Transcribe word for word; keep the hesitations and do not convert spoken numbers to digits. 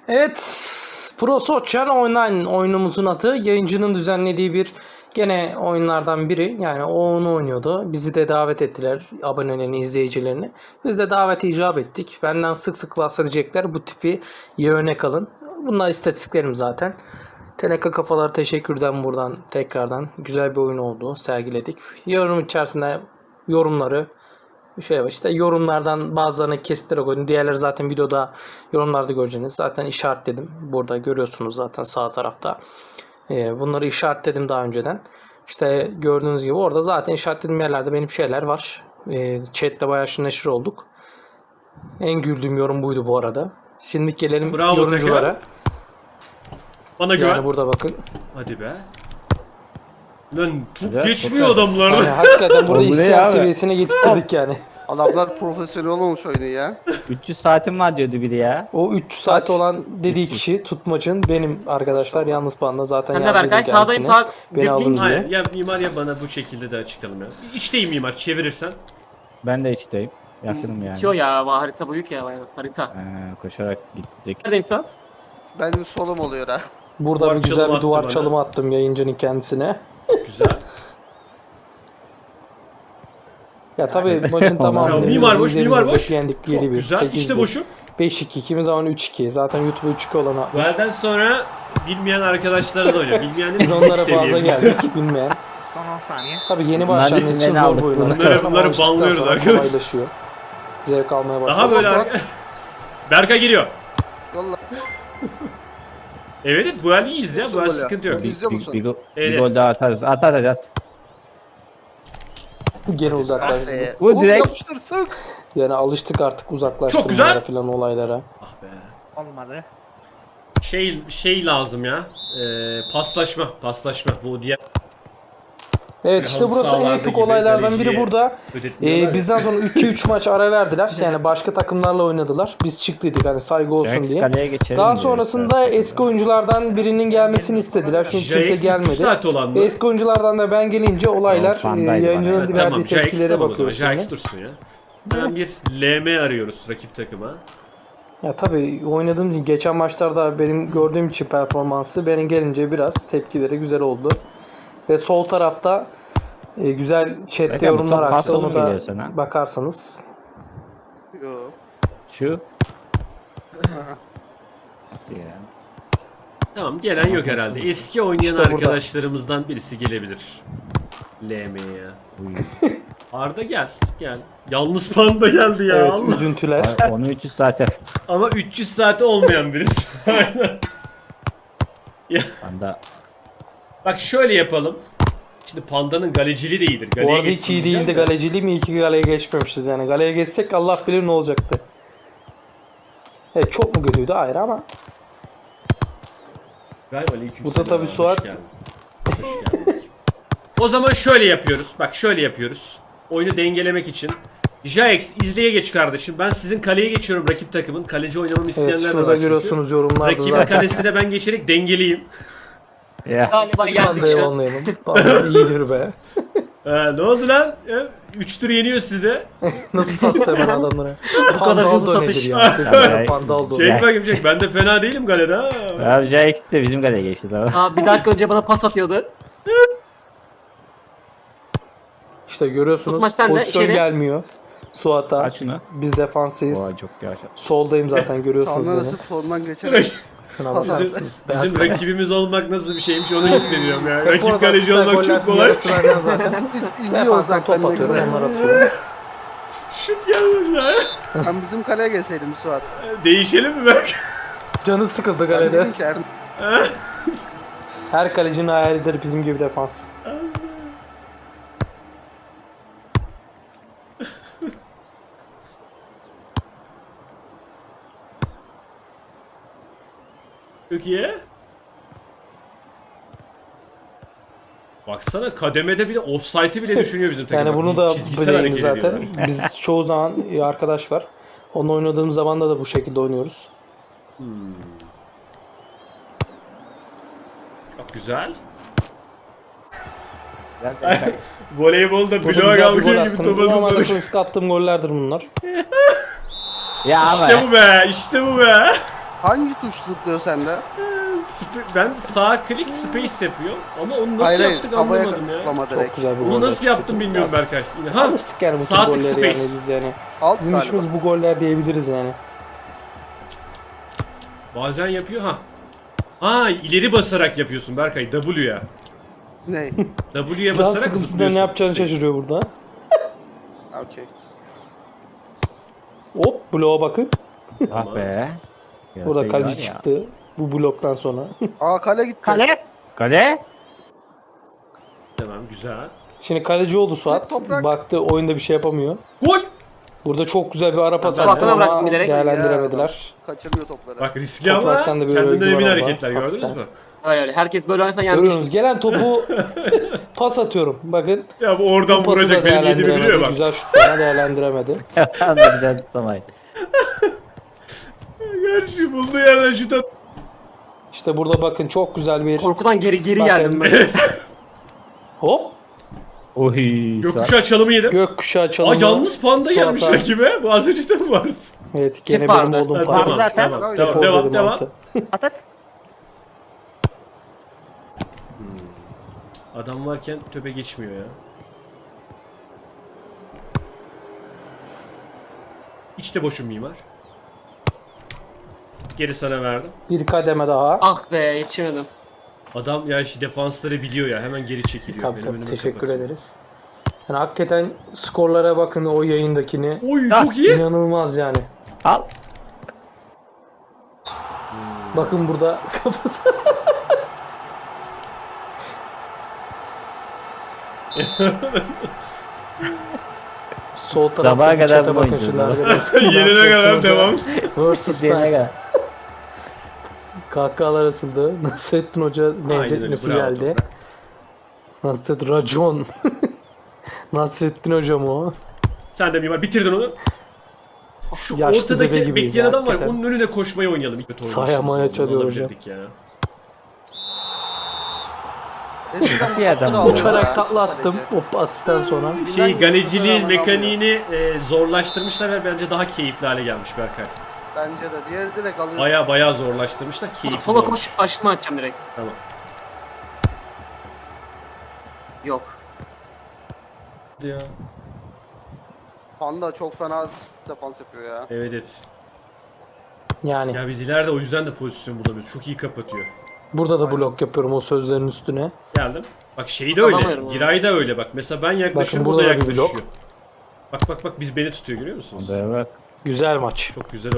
Evet, Pro Soccer Online oyunumuzun adı. Yayıncının düzenlediği bir gene oyunlardan biri. Yani o onu oynuyordu. Bizi de davet ettiler, abonelerini, izleyicilerini. Biz de davete icap ettik. Benden sık sık bahsedecekler. Bu tipi iyi örnek alın. Bunlar istatistiklerim zaten. Teneka kafalar teşekkürden buradan tekrardan. Güzel bir oyun oldu. Sergiledik. Yorum içerisinde yorumları şey var işte, yorumlardan bazılarını kestirerek koydum. Diğerleri zaten videoda, yorumlarda göreceğiniz. Zaten işaretledim. Burada görüyorsunuz zaten sağ tarafta. Ee, bunları işaretledim daha önceden. İşte gördüğünüz gibi orada zaten işaretlediğim yerlerde benim şeyler var. Ee, chat'te bayağı şır neşir olduk. En güldüğüm yorum buydu bu arada. Şimdi gelelim Bravo yorumculara. Tekrar. Bana güven. Yani burada bakın. Hadi be. Lan tut Güzel, geçmiyor süper. adamlar. Yani hakikaten burada Oğlum bu ne isyan abi? seviyesine getirdik yani. Adamlar profesyonel olmuş oyunu ya. üç yüz saatim var diyordu biri ya. O üç yüz saat Kaç? olan dediği kişi tutmacın benim arkadaşlar. Yalnız panda zaten Ben de yazdıydım Berkay sağdayım kendisine. sağ. Beni alın diye. Hayır ya mimar ya bana bu şekilde de açıklayalım ya. İçteyim mimar çevirirsen. Ben de içteyim. Yakınım yani. Bitiyor ya ama harita büyük ya bayağı harita. Ee, koşarak gidecek. Neredeyim şu an? Benim solum oluyor ha. Burada Duvar bir güzel çalımı bir duvar attı bana. çalımı attım yayıncının kendisine. Güzel. Ya tabii maçın Ya tamamını mimar boş, izlediğimiz mimar boş. izleyip yendik Çok yedi bir, güzel. sekiz İşte bir, boşu. beş iki, kimi zaman üç iki. Zaten YouTube'a üç iki olan atmış. Benden sonra bilmeyen arkadaşlara da oynuyor. Bilmeyenin Biz onlara fazla seviyemiz. geldik bilmeyen. Son on saniye. Tabii yeni Bunların başlayan için isimlerini zor aldık. bu oyunlar. Bunları- Ama bunları alıştıktan banlıyoruz sonra arkadaş. kolaylaşıyor. Zevk almaya başlıyor. Daha böyle Olsun. arka... Berkay geliyor. Yolla. Evet bu el iyiyiz ya. Bu el Nasıl gol ya? sıkıntı yok. Bir, İzliyor bir, musun? bir, go- Evet. bir gol daha atarız. At at at at. Gene Ah uzaklaştık. be. Bu Oğlum direkt- yapıştır sık. Yani alıştık artık uzaklaştırmalara Çok güzel. falan olaylara. Ah be. Olmadı. Şey şey lazım ya. Ee, paslaşma, paslaşma. Bu diğer Evet işte Halı burası en sahalarda epik gibi olaylardan biri kaleciye burada. ödetmiyorlar Ee, bizden sonra iki üç maç ara verdiler. Yani başka takımlarla oynadılar. Biz çıktıydık hani saygı olsun Jax diye. kaleye geçelim Daha diyor sonrasında istersen. eski oyunculardan birinin gelmesini istediler. Çünkü Jax kimse üç gelmedi. saat olan mı? Eski oyunculardan da ben gelince olaylar Yok, Van Dijk e, var yayıncının yani. verdiği tamam. Jax tepkilere tamam o zaman. bakıyoruz Jax şimdi. dursun ya. Hemen bir L M arıyoruz rakip takıma. Ya tabii oynadığım için geçen maçlarda benim gördüğüm için performansı benim gelince biraz tepkileri güzel oldu. Ve sol tarafta e, güzel chatte Berkay, bu yorumlar top açtı. fazla Onu mı da geliyor sana? bakarsanız. Yo. Şu. Nasıl ya? Tamam gelen yok herhalde. Eski oynayan İşte burada. arkadaşlarımızdan birisi gelebilir. L M'ye. Uy. Arda gel. Gel. Yalnız panda geldi ya. Evet Allah. üzüntüler. Ay, Onu üç yüz saate. Ama üç yüz saati olmayan birisi. Aynen. Ya, Anda bak şöyle yapalım. Şimdi pandanın galeciliği de iyidir. Bu Galeye arada geçsin hiç iyi diyeceğim değildi de. galeciliği mi? İyi ki galeye geçmemişiz yani. Galeye geçsek Allah bilir ne olacaktı. Evet çok mu kötüydü? Hayır ama. Galiba aleyküm Burada selam. tabii Hoş Suat- geldin. Hoş geldin. O zaman şöyle yapıyoruz. Bak şöyle yapıyoruz. Oyunu dengelemek için. Jax izleye geç kardeşim. Ben sizin kaleye geçiyorum rakip takımın. Kaleci oynamamı isteyenler Evet de şurada var çünkü. görüyorsunuz yorumlarda Rakibin zaten. kalesine ben geçerek dengeleyeyim. ya. Galiba geldik Panda'yı şu an. anlayalım. Panda iyidir be. Ha, ne oldu lan? üç tur yeniyor size. Nasıl sattı hemen adamlara. kadar Pandaldo hızlı nedir satış. ya? Kesinlikle Pandaldo. Çek bakayım çek. Ben de fena değilim galede ha. Abi Jax de bizim kaleye geçti tamam. Aa, bir dakika önce bana pas atıyordu. İşte görüyorsunuz Tutmaç sen de pozisyon içeri. gelmiyor. Suat'a. Aç şunu. Biz defanstayız. Oha çok yavaş. Soldayım zaten görüyorsunuz Sağından beni. asıp solundan geçerek. Şuna Pas bakar at. mısınız? Beyaz Bizim kale. rakibimiz olmak nasıl bir şeymiş onu hissediyorum ya. Hep Rakip orada kaleci sizler olmak goller çok kolay. yarısı verden zaten. Biz izliyor Defanstan uzaktan top ne atıyorum güzel. onlar atıyor. Şut gelmedi ya. Sen bizim kaleye gelseydin Suat. Değişelim mi bak? Canı sıkıldı Ben galede. dedim ki Erdem. Her kalecinin hayalidir bizim gibi defans. Çok iyi. Baksana kademede bile offside'i bile düşünüyor bizim takım. Yani Bak, bunu da çizgisel bileyim hareket zaten. ediyorlar. Biz çoğu zaman arkadaş var. Onunla oynadığımız zaman da, da bu şekilde oynuyoruz. Çok güzel. Güzel Berkay. Voleybolda Burada bloğa güzel bir gol kalkıyor gibi attım. topa Normalde zıpladık. klasik attığım gollerdir bunlar. Ya ama. İşte bu be, işte bu be. Hangi tuş zıplıyor sende? Sp- ben sağ klik space yapıyor ama onu nasıl Hayır hayır. yaptık Havaya anlamadım ya. zıplama Çok direkt. güzel bir Onu gol nasıl yaptık. yaptım bilmiyorum Ya, Berkay. Yine- Ha, Alıştık yani bu tür sağ tık golleri space. yani biz yani. Alt Bizim galiba. işimiz bu goller diyebiliriz yani. bazen yapıyor ha. Ha ileri basarak yapıyorsun Berkay W'ya. Ne? W'ye Can basarak sıkıntısından zıplıyorsun. ne yapacağını Space. şaşırıyor burada. Okey. Hop bloğa bakın. Ah be. Burada Görseydi kaleci var ya. çıktı. Bu bloktan sonra. Aa kale gitti. Kale. Kale? Tamam güzel. Şimdi kaleci oldu Suat. toprak. Baktı oyunda bir şey yapamıyor. Gol! Burada çok güzel bir ara pas Ben attı Suat'a bıraktım ama bilerek. değerlendiremediler. Kaçırmıyor topları. Bak riskli ama Topraktan da bir kendinden özgüven emin var, hareketler gördünüz hafiften. mü? Öyle öyle. Herkes böyle oynasa Görüyorsunuz yenmiştik. gelen topu pas atıyorum. Bakın. Ya bu oradan Bu pası vuracak da benim yediğimi biliyor değerlendiremedi. bak. Güzel şutlarına değerlendiremedi. Tam da güzel zıplamaydı. Gerçi bulduğu yerden şut at. İşte burada bakın çok güzel bir Korkudan geri geri Bakın. geldim ben. hop Oy. Gökkuşağı çalımı yedim. gökkuşağı Aa çalımı. yalnız panda Suat'a- gelmiş rakibe. Bu az önce de mi vardı? Evet gene Hep benim vardı. olduğum Ha, panda. tamam, zaten. tamam, Öyle. tamam, Devam, devam, devam. At at. Adam varken töpe geçmiyor ya. İçte boşum mimar. Geri sana verdim. Bir kademe daha. Ah be yetişemedim. Adam ya işte defansları biliyor ya hemen geri çekiliyor. Tabii Benim tabii önüme teşekkür kapatıyor. ederiz. Yani hakikaten skorlara bakın o yayındakini. Oy Ah, çok iyi. İnanılmaz yani. Al. Bakın burada kafası. Sol tarafta Sabaha bir kadar çete bunu bakın oynayacağız şimdi abi. arkadaşlar. Yenene kadar devam. Versus Diyene ben. kadar. Kahkahalar atıldı. Nasrettin Hoca Aynen öyle, benzetmesi bravo geldi. Nasrettin Racon. Nasrettin Hoca mı o? Sen de mimar bitirdin onu. Şu Yaşlı deve ortadaki gibiyiz bekleyen ya, adam var. hakikaten. Onun önüne koşmayı oynayalım. İlk kötü Sahaya oynamışız. maya Onu çalıyor alabilirdik Ya. Eskiden Bir adam topları bu. alıyorlar Uçarak ha, takla attım. kaleci. O asisten sonra. Şey Bilen galeciliğin topları aman mekaniğini e, zorlaştırmışlar ve bence daha keyifli hale gelmiş Berkay. Bence de. Diğeri direkt alıyor. Baya baya zorlaştırmışlar. Keyifli Sola olmuş. koş aşırma atacağım direkt. Tamam. Yok. Ya. Panda çok fena defans yapıyor ya. Evet evet. Yani Ya biz ileride o yüzden de pozisyon bulamıyoruz. Çok iyi kapatıyor. burada da blok yapıyorum o sözlerin üstüne. Geldim. Bak şey de öyle. Alamıyorum Giray da öyle bak. Mesela ben yaklaşıyorum Bakın o da burada da bir yaklaşıyor. blok. Bak bak bak biz beni tutuyor görüyor musunuz? Bak. Güzel maç. Çok güzel